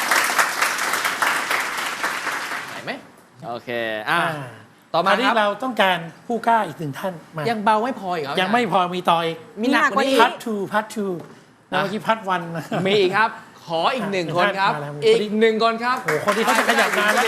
Speaker 1: ไหนไหมโอเคอ่ะ
Speaker 3: อ่า
Speaker 1: ต่อมา
Speaker 3: คราวนี้
Speaker 1: ครับ
Speaker 3: เราต้องการผู้กล้าอีกหนึ่งท่านมา
Speaker 1: ยังเบาไม่พออีกครับ
Speaker 3: ยังไม่พอมีต่ออีก
Speaker 1: มีหนักกว่านี้
Speaker 3: พัททูพัททูแล้วเมื่อกี้พัทวัน
Speaker 1: มีอีกครับ ขออีกหนึ่งคนครับ
Speaker 3: มาแล้ว
Speaker 1: อีกหนึ่งคนครับ
Speaker 3: โอ้โหคนที่เขาจะขยับมาแล้ว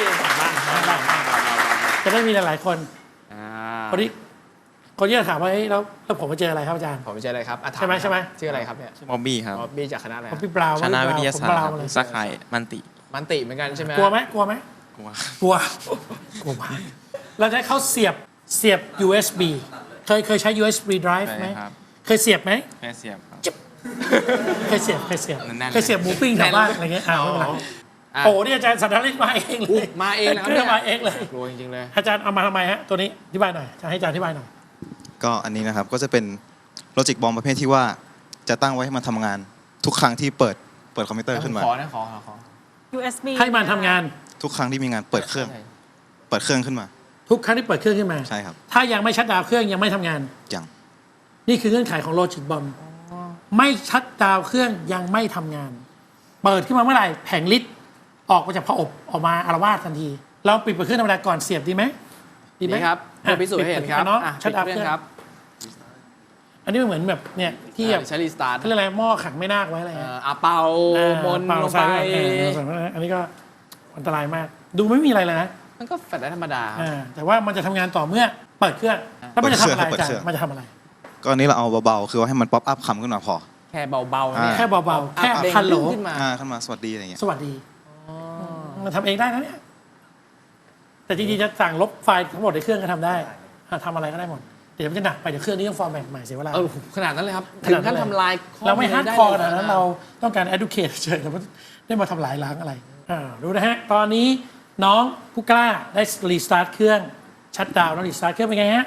Speaker 3: จะได้มีหลายๆคน
Speaker 1: อ่า
Speaker 3: คนที่คนที่จะถามว่าเฮ้ยแล้วแล้วผมมาเจออะไรครับอาจารย์
Speaker 1: ผมไม่ใช่อะไรครับอ่ะถา
Speaker 3: ใช่ไหม
Speaker 1: ครับ
Speaker 3: ใช่ไหม
Speaker 1: ชื่ออะไรครับเนี่ย
Speaker 5: มอบบี้ครับ
Speaker 1: อ๋อบี้จากคณะอะไร
Speaker 3: ผม
Speaker 1: ฮะ
Speaker 3: พี่ปลาว
Speaker 5: คณะวิทยาศาสตร์
Speaker 3: ผมปล
Speaker 5: ค
Speaker 3: ว
Speaker 5: รับ
Speaker 3: เลย
Speaker 5: สาขามันติ
Speaker 1: มันติเหมือนกันใช่ไหม
Speaker 3: กลัวไหมกลัวไหม
Speaker 5: กลัว
Speaker 3: กลัวกลัวมากเราจะให้เขาเสียบเสียบ ยู เอส บี เคยเคยใช้ ยู เอส บี drive ไหม
Speaker 5: ใช่ครับ
Speaker 3: เคยเสียบไหม
Speaker 5: แค่เสียบครับ
Speaker 3: เคยเสียบเคยเสียบ
Speaker 5: แน่นๆ
Speaker 3: เคยเสียบหมูปิ้งแถวบ้านอะไรเงี้ยอ่าไม่เป็นไร
Speaker 1: อ่ะ
Speaker 3: โอ้นี่อาจารย์สันทนาฤทธิ์มาเองเล
Speaker 1: อุ๊
Speaker 3: ย
Speaker 1: ยมาเองนะครับ
Speaker 3: เครื่องมาเองเลย
Speaker 1: กลัวจริงๆเลย
Speaker 3: อาจารย์เอามาทำไมฮะตัวนี้อธิบายหน่อยจะให้อาจารย์อธิบายหน่อย
Speaker 6: ก็อันนี้นะครับก็จะเป็นโลจิกบอมประเภทที่ว่าจะตั้งไว้ให้มันทำงานทุกครั้งที่เปิดเปิดคอมพิวเตอร์ขึ้นมา
Speaker 1: ขอนะขอขอขอ
Speaker 2: ยู เอส บี
Speaker 3: ให้มันทำงาน
Speaker 6: ทุกครั้งที่มีงานเปิดเครื่อง เปิดเครื่องขึ้นมา
Speaker 3: ทุกครั้งที่เปิดเครื่องขึ้นมา
Speaker 6: ใช่ครับ
Speaker 3: ถ้ายังไม่ชัดดาวน์เครื่องยังไม่ทำงาน
Speaker 6: อย่าง
Speaker 3: นี่คือเงื่อนไขของโลจิกบอมไม่ชัดดาวน์เครื่องยังไม่ทำงาน เปิดขึ้นมาเมื่อไหร่แผงลิตออกมาจากผอบออกมาอารวาสทันที เราปิดเปิดเครื่องธรรมดาก่อนเสียบดีไหมดีไหม
Speaker 1: นี่ครับ
Speaker 3: อ่ะ
Speaker 1: เพื่อพิสูจน์ให้เห็นครับ
Speaker 3: ปิดเนาะ
Speaker 1: อ่ะ
Speaker 3: ชัดดาวน์
Speaker 1: ปิ
Speaker 3: เครื่อง
Speaker 1: ครับ
Speaker 3: อันนี้มันเหมือนแบบเนี่ยที่แบบ
Speaker 1: อ่ะใช้รีสตาร์ท
Speaker 3: เขาเรียกอะไรหม้อขังไม่นาคไว้อะไร
Speaker 1: เอ่
Speaker 3: เงี้ย
Speaker 1: ออ่ะเป่า
Speaker 3: อ่าม
Speaker 1: นต์
Speaker 3: เป่า
Speaker 1: ลง
Speaker 3: ใส่
Speaker 1: ไป
Speaker 3: เออใส่ไปอันนี้ก็อันตรายมาก ดูไม่มีอะไรเลยนะ
Speaker 1: มันก็แฟลชได้ธรรมดาครับ
Speaker 3: อ่าแต่ว่ามันจะทำงานต่อเมื่อเปิดเครื่องแล้วมันจะทำอะไร
Speaker 6: เปิด
Speaker 3: อาจาร
Speaker 6: เครื่อง
Speaker 3: ย์มันจะทำอะไร
Speaker 6: ก็อันนี้เราเอาเบาๆคือว่าให้มันป๊อปอัพคำขึ้นมาพอ
Speaker 1: แค่เบาๆเนี่ย
Speaker 6: อ่า
Speaker 3: แค่เบาๆแค่
Speaker 1: เด้ง
Speaker 3: ฮัลโหล
Speaker 1: ขึ้นมา
Speaker 6: อ่าขึ้นมาสวัสดีอะไรเงี้ย
Speaker 3: สวัสดีมันทำเองได้นะเนี่ยแต่จริงๆจะสั่งลบไฟล์ทั้งหมดในเครื่องก็ทำได้อ่ะทำอะไรก็ได้หมดเดี๋ยวมันจะหนักไปเดี๋ยวเครื่องนี้ต้องฟอร์แมตใหม่เสียเวลา
Speaker 1: เออขนาดนั้นเลยครับ
Speaker 3: ข
Speaker 1: ถึ
Speaker 3: นาด
Speaker 1: ง
Speaker 3: นั้
Speaker 1: ขั้
Speaker 3: น
Speaker 1: น
Speaker 3: เลย
Speaker 1: ทำลายข้อ
Speaker 3: เราไม่
Speaker 1: ล
Speaker 3: ฮาร์ด
Speaker 1: ได้
Speaker 3: คอร์
Speaker 1: ลย
Speaker 3: นะนั้นเราต้องการ educate เฉยๆแต่ว่าได้มาทำลายล้างอะไรอ่าดูนะฮะ ตอนนี้น้องผู้กล้าได้รีสตาร์ทเครื่องชัดดาวน์แล้วรีสตาร์ทเครื่องเป็นไงฮะ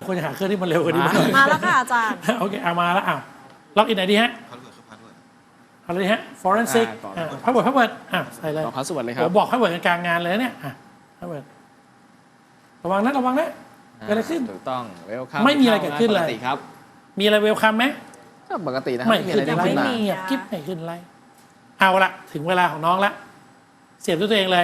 Speaker 3: ควรจะหาเครื่องที่มันเร็วกว่านี้มาหน่อย
Speaker 2: มาแล้วค่ะอาจารย์
Speaker 3: โอเคเอามาแล้วอ่ะล็อกอินไหนดีฮะอะไรดีฮะ forensic อ่าพาสเวิร์ดพาสเวิร์ดอ่ะใส่เลย
Speaker 1: บอกพาสเวิร์ดเลยครั
Speaker 3: ผ
Speaker 1: บ
Speaker 3: มบอกพาสเวิร์ดกลางงานเลยเนี่ยอ่ะพาสเวิร์ดระวังนะระวังนะเกิดอะไรขึ้น
Speaker 1: ถูกต้องเวลคัม
Speaker 3: ไม่มีอะไรเกิดขึ้นเลย
Speaker 1: ปกติครับ
Speaker 3: มีอะไรเวลคัมไหม
Speaker 1: ก็ปกตินะครับ
Speaker 3: ไม่
Speaker 1: ไม่มีอะไร
Speaker 3: ขึ้น
Speaker 1: ได้
Speaker 3: อะไร
Speaker 1: ขึ้นมา
Speaker 2: ไม่มี
Speaker 3: เงียบกิ๊บไม่ขึ้นอะไรเอาละถึงเวลาของน้องละเสียบด้วยตัวเองเล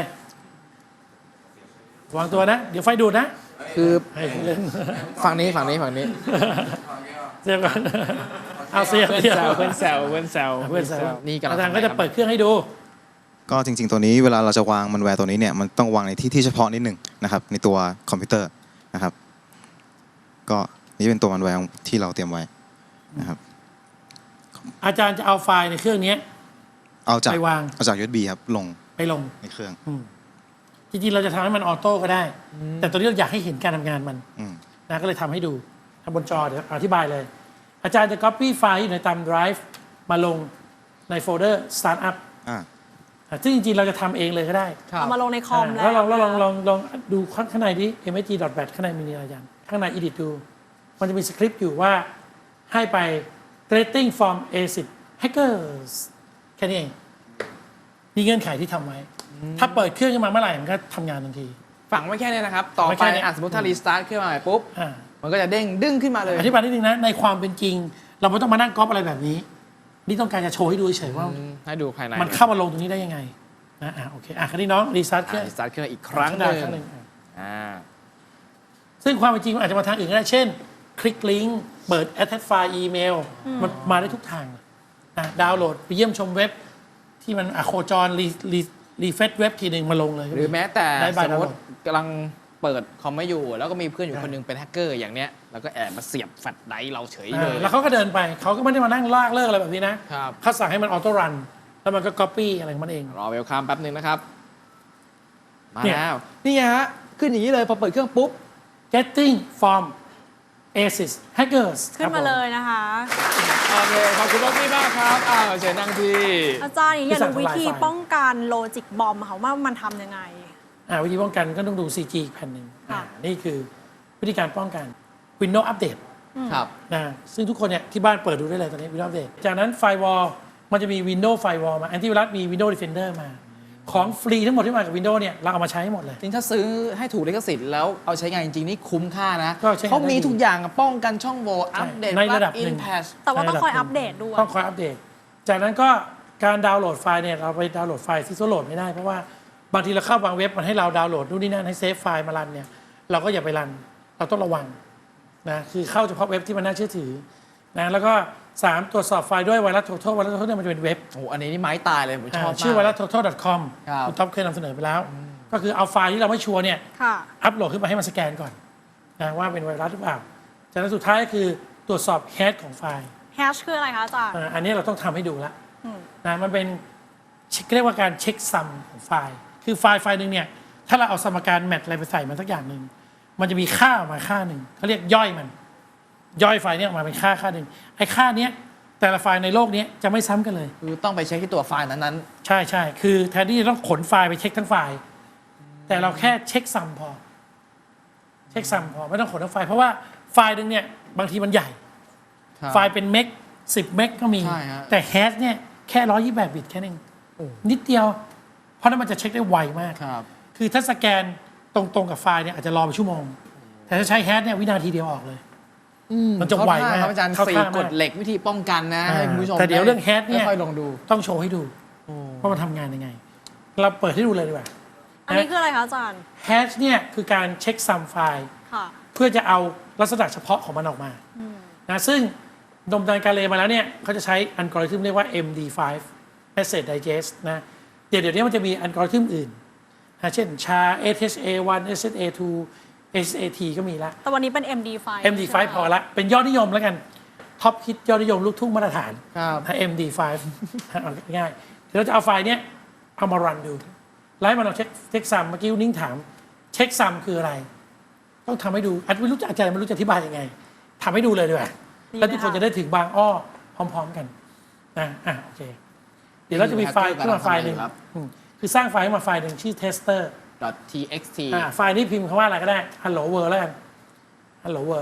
Speaker 3: ยวางตัวนะ เดี๋ยวไฟดูดนะ
Speaker 1: คือ
Speaker 3: ให้เล่น
Speaker 1: ฝั่งนี้ฝั่งนี้ฝั่งนี้
Speaker 3: เสียบก่อนเอาเสียบ
Speaker 1: เพื่อน
Speaker 3: เสียบ
Speaker 1: แซวเพื่อนแซวเพื่อนแซว
Speaker 3: เพื่อนแซว
Speaker 1: นี่กำลัง
Speaker 3: อาจารย์ก็จะเปิดเครื่องให้ดู
Speaker 6: ก็จริงๆตัวนี้เวลาเราจะวางมันแวร์ตัวนี้เนี่ยมันต้องวางในที่ที่เฉพาะนิดหนึ่งนะครับในตัวคอมพิวเตอร์นะครับ ก็นี่เป็นตัวมันแวร์ที่เราเตรียมไว้นะครับ
Speaker 3: อาจารย์จะเอาไฟล์ในเครื่องนี้
Speaker 6: เอาจาก
Speaker 3: ไปวาง
Speaker 6: เอาจาก ยู เอส บี ครับลง
Speaker 3: ไปลง
Speaker 6: ในเครื่อง
Speaker 3: จริงๆเราจะทำให้มันออโต้ก็ได้ แต่ตัวนี้เราอยากให้เห็นการทำงานมัน
Speaker 6: อืม
Speaker 3: นะก็เลยทำให้ดูทำบนจอเดี๋ยวอธิบายเลย อาจารย์จะ copy ไฟล์อยู่ในตาม drive มาลงในโฟลเดอร์ startup
Speaker 6: อ่า
Speaker 3: อ่ะซึ่งจริงๆเราจะทำเองเลยก็ได้
Speaker 1: ครับ
Speaker 2: เอามาลงในคอม
Speaker 3: อ่า
Speaker 2: แล้
Speaker 3: แล้ว วลองแล้วลองลองลองดูข้างในดิ เอ็ม เอส จี ดอท แบท ข้างในมีอะไรอาจารย์ข้างใน edit ดู มันจะมีสคริปต์อยู่ว่าให้ไป creating from เอ ซิด hackers แค่นี้เอง มีเงื่อนไขที่ทำไว้ ถ้าเปิดเครื่องขึ้นมาเมื่อไหร่ มันก็ทำงานทันที
Speaker 1: ฝังไว้แค่นี้นะครับ ต่อ
Speaker 3: ไว้
Speaker 1: ไป
Speaker 3: แค่นี้
Speaker 1: อ่ะสมมติถ้ารีสตาร์ทขึ้นมาใหม่ปุ๊บ
Speaker 3: อ่า
Speaker 1: มันก็จะเด้งดึงขึ้นมาเลย
Speaker 3: อธิบายนิดนึงนะ ในความเป็นจริง เราไม่ต้องมานั่งก๊อปอะไรแบบนี้ นี่ต้องการจะโชว์ให้ดูเฉยๆว่า
Speaker 1: อืมให้ดูภายใน
Speaker 3: มันเข้ามาลงตรงนี้ได้ยังไงนะอ่ะโอเคอ่ะคราวนี้น้องรีสตาร์ทเครื่อง
Speaker 1: รีสตาร์ทขึ้นมาอีกครั้งห
Speaker 3: ดา
Speaker 1: นึ่ง
Speaker 3: ครั้งหนึ่งอ่ะ
Speaker 1: อ่า
Speaker 3: ซึ่งความเป็นจริงมันอาจจะมาทางอื่นก็ได้ เช่น คลิกลิงก์เปิด attach file อีเมล มันมาได้ทุกทางเลยนะดาวน์โหลดไปเยี่ยมชมเว็บ ที่มันอะโคจรรีรีรีเฟซเว็บทีหนึ่งมาลงเลย
Speaker 1: หรือแม้แต่
Speaker 3: ได้ใบ
Speaker 1: สมมติ
Speaker 3: ดาวน์โหลด
Speaker 1: กำลังเปิดคอมไม่อยู่ แล้วก็มีเพื่อนอยู่คนหนึงเป็นแฮกเกอร์อย่างเนี้ยแล้วก็แอบมาเสียบแฟลชไดรฟ์เราเฉยเลย
Speaker 3: อ่าแล้วเขาก็เดินไป เขาก็ไม่ได้มานั่งลากเลิกอะไรแบบนี้นะครับ เขาสั่งให้มันออโต้รัน แล้วมันก็ copy อะไรของมันเอง
Speaker 1: รอเวลคัมแป๊บหนึ่งนะครับ มา
Speaker 3: เนี่ย
Speaker 1: แล้ว นี่ไงฮะ ขึ้นอย่างนี้เลยพอเปิดเครื่องปุ๊บ
Speaker 3: getting from เอ ซิด hackers
Speaker 2: ขึ้นมาเลยนะคะ
Speaker 1: โอเค ขอบคุณมากพี่มากครับ อ้าวเชิญนั่งที่
Speaker 2: อาจารย์อยาก
Speaker 3: ที่สั่ง
Speaker 2: รู้วิธี
Speaker 3: ทำลายไฟล์
Speaker 2: ป้องกันโลจิกบอมค่ะว่ามันทำยังไง
Speaker 3: อ่าวิธีป้องกันก็ต้องดู ซี จี อีกแผ่นหนึ่ง
Speaker 2: ค่ะ
Speaker 3: อ่านี่คือวิธีการป้องกัน Windows Update
Speaker 1: ครับ
Speaker 3: นะซึ่งทุกคนเนี่ยที่บ้านเปิดดูได้เลยตอนนี้ Windows Update จากนั้น Firewall มันจะมี Windows Firewall มา Antivirus มี Windows Defender มา ของฟรีทั้งหมดที่มากับ Windows เนี่ยเราเอามาใช้ให้หมดเลย
Speaker 1: จริงถ้าซื้อให้ถูกลิขสิทธิ์แล้วเอาใช้งานจริงๆ นี่คุ้มค่านะ
Speaker 3: ก็ใช้งานได้
Speaker 1: เขามี
Speaker 3: ดี
Speaker 1: ทุกอย่างอะป้องกันช่องโหว่อัปเดต
Speaker 3: ในระดับ
Speaker 1: อิ
Speaker 3: หนึ่
Speaker 1: น
Speaker 3: ง
Speaker 1: แพช
Speaker 2: แต่ว่าต้องคอย
Speaker 3: ในระดั
Speaker 2: อั
Speaker 3: บ
Speaker 2: ป
Speaker 3: หนึ่ง
Speaker 2: เดตด้วย
Speaker 3: ต้องคอยอัปเดต จากนั้นก็การดาวน์โหลดไฟล์เนี่ยเราไปดาวน์โหลดไฟล์ที่โหลดไม่ได้เพราะว่าบางทีเราเข้าบางเว็บมันให้เราดาวน์โหลดนู่นนี่นั่นให้เซฟไฟล์มารันเนี่ยเราก็อย่าไปรันเราต้องระวังนะคือเข้าเฉพาะเว็บที่มันน่าเชื่อถือนะแล้วก็สามตรวจสอบไฟล์ด้วยไวรัส total ไวรัส total เนี่ยมันจะเป็นเว็บ
Speaker 1: โอ้โหอันนี้นี่ไม้ตายเลย ผมชอบ
Speaker 3: อ่าม
Speaker 1: าก
Speaker 3: ชื่อ ไวรัส total ดอท คอม
Speaker 1: ครับ
Speaker 3: คุณท็อปเคยนำเสนอไปแล้ว ก็คือเอาไฟล์ที่เราไม่ชัวร์เนี่ย
Speaker 2: ค่ะ
Speaker 3: อัปโหลดขึ้นมาให้มันสแกนก่อนนะว่าเป็นไวรัสหรือเปล่าจากนั้นสุดท้ายก็คือตรวจสอบแฮชของไฟล์
Speaker 2: แฮชคืออะไรคะอาจารย์
Speaker 3: อ่าอันนี้เราต้องทำให้ดูละ
Speaker 2: อืม
Speaker 3: นะมันเป็นเช็คเรียกว่าการเช็คซัมของไฟล์ คือไฟล์ไฟล์หนึ่งเนี่ยถ้าเราเอาสมการแมทอะไรไปใส่มันสักอย่างหนึ่งมันจะมีค่าออกมาค่าหนึ่งเขาเรียกย่อยมัน ย่อยไฟล์เนี้ออกมาเป็นค่าค่าหนึ่งไอ้ค่าเนี้ยแต่ละไฟล์ในโลกนี้จะไม่ซ้ำกันเลย
Speaker 1: คือต้องไปเช็คที่ตัวไฟล์นั้น
Speaker 3: ใช่ใช่คือแทนที่จะต้องขนไฟล์ไปเช็คทั้งไฟล์ แต่เราแค่เช็คซัมพอ เช็คซัมพอไม่ต้องขนทั้งไฟล์เพราะว่าไฟล์หนึ่งเนี่ยบางทีมันใหญ่
Speaker 1: ๆครับ
Speaker 3: ไฟล์เป็นเมกสิบเมกก็มี
Speaker 1: ใช่ฮะ
Speaker 3: แต่แฮชเนี่ยแค่ร้อยยี่สิบแปดบิตแค่นั้นเองนิดเดียว เพราะนั้นมันจะเช็คได้ไวมาก
Speaker 1: ครับ
Speaker 3: คือถ้าสแกนตรงๆกับไฟล์เนี่ยอาจจะรอไปชั่วโมง แต่ถ้าใช้แฮชเนี่ยวินาทีเดียวออกเลย มันจะไวมาก
Speaker 1: เข้ท่ครับอาจารย์
Speaker 3: เข้า
Speaker 1: สี่
Speaker 3: ท่ามาก
Speaker 1: กฎเหล็กวิธีป้องกันนะ
Speaker 3: อ่า
Speaker 1: ให้คุณผู้ชม
Speaker 3: แต่เดี๋ยวเรื่องแฮชเนี่ย
Speaker 1: ค่อยๆลองดู
Speaker 3: ต้องโชว์ให้ดูว่ามันทำงานยังไง เราเปิดให้ดูเลยดีกว่า
Speaker 2: อันนี้คืออะไรคะอาจารย์
Speaker 3: แฮชเนี่ยคือการเช็คซัมไฟล์
Speaker 2: ค่ะ
Speaker 3: เพื่อจะเอาลักษณะเฉพาะของมันออกมานะซึ่งดมดันการเลมาแล้วเนี่ยเขาจะใช้อัลกอริทึมเรียกว่า เอ็ม ดี ไฟว์ Message Digest นะเดี๋ยวเดี๋ยวนี้มันจะมีอัลกอริทึมอื่นนะเช่น ชา เอ เอช เอ วัน เอส เอส เอ ทู เอส เอ ที ก็มีละ
Speaker 2: แต่วันนี้เป็น เอ็ม ดี ไฟว์
Speaker 3: เอ็ม ดี ไฟว์ พอละเป็นยอดนิยมแล้วกัน ท็อปฮิตยอดนิยมลูกทุ่งมาตรฐาน
Speaker 1: ครับ
Speaker 3: นะ เอ็ม ดี ไฟว์ เอาง่ายๆเดี๋ยวเราจะเอาไฟล์เนี้ยเอามารันดูไล่มาลองเช็คเช็คซัมเมื่อกี้นิ้งถาม เช็คซัมคืออะไร ต้องทำให้ดูอาจไม่รู้จะอาจารย์ไม่รู้จะอธิบายยังไงทำให้ดูเลยดีกว่า
Speaker 2: ดีไหม
Speaker 3: แล้วทุกคน
Speaker 2: คะ
Speaker 3: จะได้ถึงบางอ้อพร้อม ๆ กันนะอ่ะโอเค เดี๋ยวเราจะมีไฟล์ขึ้นมาไฟล์หนึ่ง
Speaker 1: ครับ
Speaker 3: อืมคือสร้างไฟล์ขึ้นมาไฟล์หนึ่งชื่อ tester
Speaker 1: .txt
Speaker 3: อ่าไฟล์นี้พิมพ์คำว่าอะไรก็ได้ hello world แล้วกัน hello world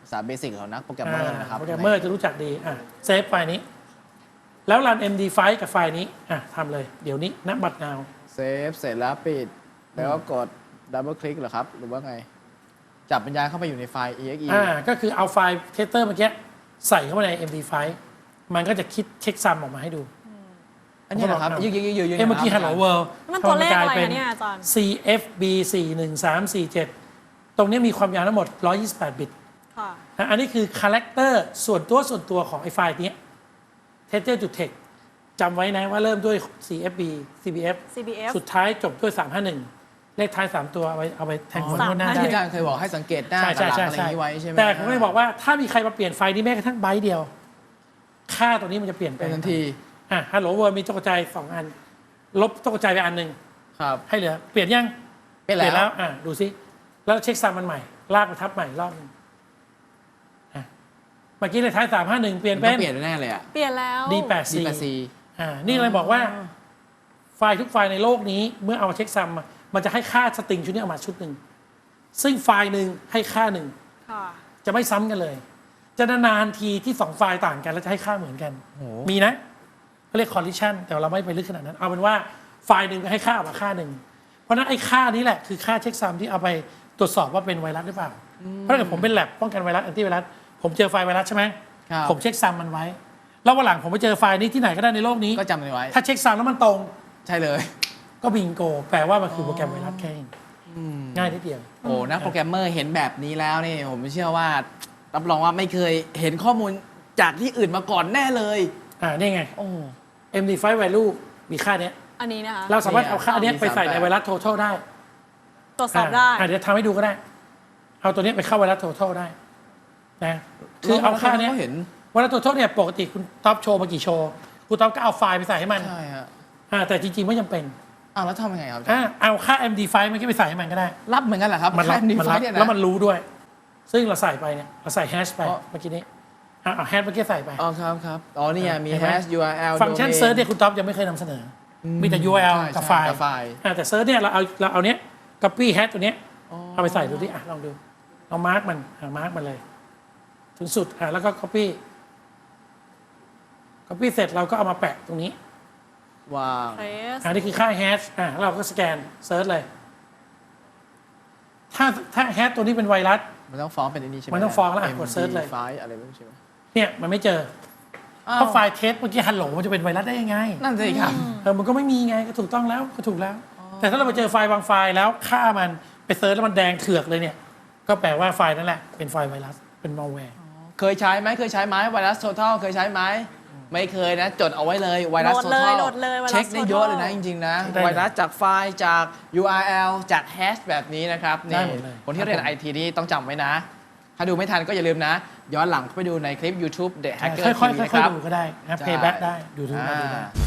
Speaker 1: ภาษาเบสิกของนักโปรแกรมเมอร์นะครับ
Speaker 3: โปรแกรมเมอร์จะรู้จักดีอ่ะเซฟไฟล์นี้ แล้วรัน เอ็ม ดี ไฟล์ กับไฟล์นี้อ่ะทำเลยเดี๋ยวนี้ณบัดนาว
Speaker 1: เซฟเสร็จแล้วปิด แล้วก็กดดับเบิลคลิกเหรอครับ หรือว่าไง จับปัญญาณเข้าไปอยู่ในไฟล์ exe
Speaker 3: อ่าก็คือเอาไฟล์เทสเตอร์เมื่อกี้ใส่เข้ามาใน เอ็ม ดี ไฟล์ มันก็จะคิดเช็คซัมออกมาให้ดู
Speaker 1: อันนี้นะครับยืดยืดยืดยืด
Speaker 3: เอ้เมื่อกี้ Hello World
Speaker 2: มันตัวเลขอะไร
Speaker 3: ทำให้กลาย
Speaker 2: อะเนี่ยอาจารย์
Speaker 3: ซี เอฟ บี สี่หนึ่งสามสี่เจ็ด ตรงนี้มีความยาวทั้งหมดหนึ่งร้อยยี่สิบแปดบิต
Speaker 2: ค่ะ
Speaker 3: นะอันนี้คือคาแรคเตอร์ส่วนตัวส่วนตัวของไอ้ไฟล์นี้ texture.text จำไว้นะว่าเริ่มด้วย ซี เอฟ บี ซี บี เอฟ
Speaker 2: ซี บี เอฟ
Speaker 3: สุดท้ายจบด้วย สามห้าหนึ่ง เลขท้าย สาม ตัวเอาไปเอาไปแทงหัว
Speaker 2: สาม
Speaker 3: โน้นหน้า
Speaker 1: ที่
Speaker 3: ได้
Speaker 1: อาจารย์เคยบอกให้สังเกตหน้า
Speaker 3: ใช่
Speaker 1: กับ
Speaker 3: ใช่
Speaker 1: หลัง
Speaker 3: ใช่
Speaker 1: อะไรอ
Speaker 3: ใช่
Speaker 1: ย่างนี้ไว้ใช่ไหม
Speaker 3: แต่ผมก็เลยบอกว่าถ้ามีใครมาเปลี่ยนไฟล์นี้แม้กระทั่งไบต์เดียว ค่าตัวนี้มันจะเปลี่ยนไป
Speaker 1: เป็นทันที
Speaker 3: อ่ะ Hello World มีตกใจสองอัน ลบตกใจไปอันหนึ่ง
Speaker 1: ครับ
Speaker 3: ให้เหลือเปลี่ยนยัง
Speaker 1: เป็นแล้ว
Speaker 3: อ่ะดูซิแล้วเช็คซัมมันใหม่ ลากมาทับใหม่อีกรอบหนึงอ่ะเมื่อกี้เลขท้ายสามห้าหนึ่งเปลี่ยน
Speaker 1: มั
Speaker 3: เป็น
Speaker 1: ต้องเปลี่ยนแน่เลยอ่ะ
Speaker 2: เปลี่ยนแล้ว
Speaker 3: ดีแปด
Speaker 1: ดี
Speaker 3: สี่
Speaker 1: แปดซี
Speaker 3: อ่านี่เลยบอกว่าไฟล์ทุกไฟล์ในโลกนี้เมื่อเอามาเช็คซัมอะมันจะให้ค่าสตริงชุดนี้ออกมาชุดหนึ่งซึ่งไฟล์หนึ่งให้ค่าหนึ่ง
Speaker 2: ค่ะ
Speaker 3: จะไม่ซ้ำกันเลย จะนานๆทีที่สองไฟล์ต่างกันแล้วจะให้ค่าเหมือนกัน
Speaker 1: โอ้โห
Speaker 3: มีนะเขาเรียก collision แต่เราไม่ไปลึกขนาดนั้น เอาเป็นว่าไฟล์หนึ่งให้ค่าออกมาค่าหนึ่งเพราะฉะนั้นไอ้ค่านี้แหละคือค่าเช็คซัมที่เอาไปตรวจสอบว่าเป็นไวรัสหรือเปล่าเพราะถ้าเกิดผมเป็นแลบป้องกันไวรัสแอนตี้ไวรัสผมเจอไฟล์ไวรัสใช่ไหม
Speaker 1: ครับ
Speaker 3: ผมเช็คซัมมันไว้ แล้ววันหลังผมไปเจอไฟล์นี้ที่ไหนก็ได้ในโลกนี้
Speaker 1: ก็จำมันไว้
Speaker 3: ถ้าเช็คซัมแล้วมันตรง
Speaker 1: ใช่เลย
Speaker 3: ก็บิงโก แปลว่ามันคือโปรแกรมไวรัสแค่เองง่ายนิดเดียว
Speaker 1: โอ้นักโปรแกรมเมอร์เห็นแบบนี้แล้วนี่ผมเชื่อว่า รับรองว่าไม่เคยเห็นข้อมูลจากที่อื่นมาก่อนแน่เลย
Speaker 3: อ่านี่ไง
Speaker 1: โอ้
Speaker 3: เอ็ม ดี ไฟว์ value มีค่าเนี้ย
Speaker 2: อันนี้นะคะ
Speaker 3: เราสามารถเอาค่าเนี้ย
Speaker 1: มี
Speaker 3: ไปใส่ใน
Speaker 1: สามแบบ
Speaker 3: ไวรัส total ได้
Speaker 2: ตรวจสอบได้
Speaker 3: อ่าเดี๋ยวทำให้ดูก็ได้ เอาตัวเนี้ยไปเข้าไวรัส total ได้นะคือเอาค่าเนี้ย
Speaker 1: เห็น
Speaker 3: ไวรัส total เนี่ยปกติคุณท็อปโชว์มากี่โชว์คุณท็อปก็เอาไฟล์ไปใส่ให้มัน
Speaker 1: ใช่ฮะ
Speaker 3: อ่าแต่จริงๆไม่จำเป็น
Speaker 1: อ้าวแล้วทำยังไงครับ
Speaker 3: อ่าเอาค่า เอ็ม ดี ไฟว์ มันก็ไปใส่ให้มันก็ได้
Speaker 1: รับเหมือนกันเหรอครับ
Speaker 3: มันรับ
Speaker 1: ดี
Speaker 3: มัน
Speaker 1: ไฟ
Speaker 3: รับ
Speaker 1: เนี่ยนะ
Speaker 3: แล้วมันรู้ด้วย ซึ่งเราใส่ไปเนี่ยเราใส่แฮชไป
Speaker 1: อ๋อ
Speaker 3: เมื่อกี้นี้อ่ะเอาแฮชเมื่อกี้ใส่ไป
Speaker 1: อ๋อครับครับอ๋อนี่ไงมี
Speaker 3: เห็นไหม
Speaker 1: hash ยู อาร์ แอล
Speaker 3: ฟังก์ชันเซิร์ชเนี่ยคุณท็อปยังไม่เคยนำเสนออมีแต่ ยู อาร์ แอล
Speaker 1: ใช่
Speaker 3: กับ
Speaker 1: ใช่
Speaker 3: ไฟล์
Speaker 1: กับไฟล์
Speaker 3: อ่ะแต่เซิร์ชเนี่ยเราเอาเราเอาเนี้ย copy hash ตัวเนี้ยเอาไปใส่ดูดิอ่ะลองดูเอามาร์กมันอ่ะมาร์กมันเลย ถึงสุดอ่ะแล้วก็ copy copy เสร็จเราก็เอามาแปะตรงนี้
Speaker 1: ว้าว
Speaker 2: เทส
Speaker 3: อันนี้คือค่า hash อ่ะแล้วเราก็สแกนเซิร์ชเลย ถ้าถ้า hash ตัวนี้เป็นไวรัส
Speaker 1: มันต้องฟ้องเป็นอันนี้ใช่ไหม
Speaker 3: มันต้องฟ้องแล้วอ่ะกด search เลย
Speaker 1: ไฟล์อะไรไม่รู้ใช่ไหม
Speaker 3: เนี่ยมันไม่เจอ
Speaker 1: อ้าว
Speaker 3: เพราะไฟล์เทสเมื่อกี้ฮัลโหลมันจะเป็นไวรัสได้ยังไง
Speaker 1: นั่นสิครับ
Speaker 3: เออมันก็ไม่มีไงก็ถูกต้องแล้วก็ถูกแล้ว แต่ถ้าเราไปเจอไฟล์บางไฟล์แล้วค่ามันไปเซิร์ชแล้วมันแดงเถือกเลยเนี่ย ก็แปลว่าไฟล์นั่นแหละเป็นไฟล์ไวรัสเป็นมัลแวร์
Speaker 1: เคยใช้ไหมเคยใช้ไหมไวรัส total เคยใช้ไหมไม่เคยนะจดเอาไว้เลยไวรัส
Speaker 2: โหลดเลย
Speaker 1: total
Speaker 2: โหลดเลยไวรัส
Speaker 1: เช็คได้เยอะเลยนะ
Speaker 2: total
Speaker 1: จริงๆนะไวรัสจากไฟล์จาก ยู อาร์ แอล จากแฮชแบบนี้นะครับ
Speaker 3: ได้
Speaker 1: นี่
Speaker 3: หมดเลย
Speaker 1: คนที่เรียนไอทีนี่ต้องจำไว้นะ ถ้าดูไม่ทันก็อย่าลืมนะ ย้อนหลังไปดูในคลิป YouTube The Hacker
Speaker 3: ค่อย
Speaker 1: ที
Speaker 3: ๆ
Speaker 1: วี
Speaker 3: ค่อย
Speaker 1: นะครับ
Speaker 3: ๆดูก็ได้นะ
Speaker 1: ใช่
Speaker 3: เพย์แบ็กได้ดูดูได้ดูได้
Speaker 1: อ่า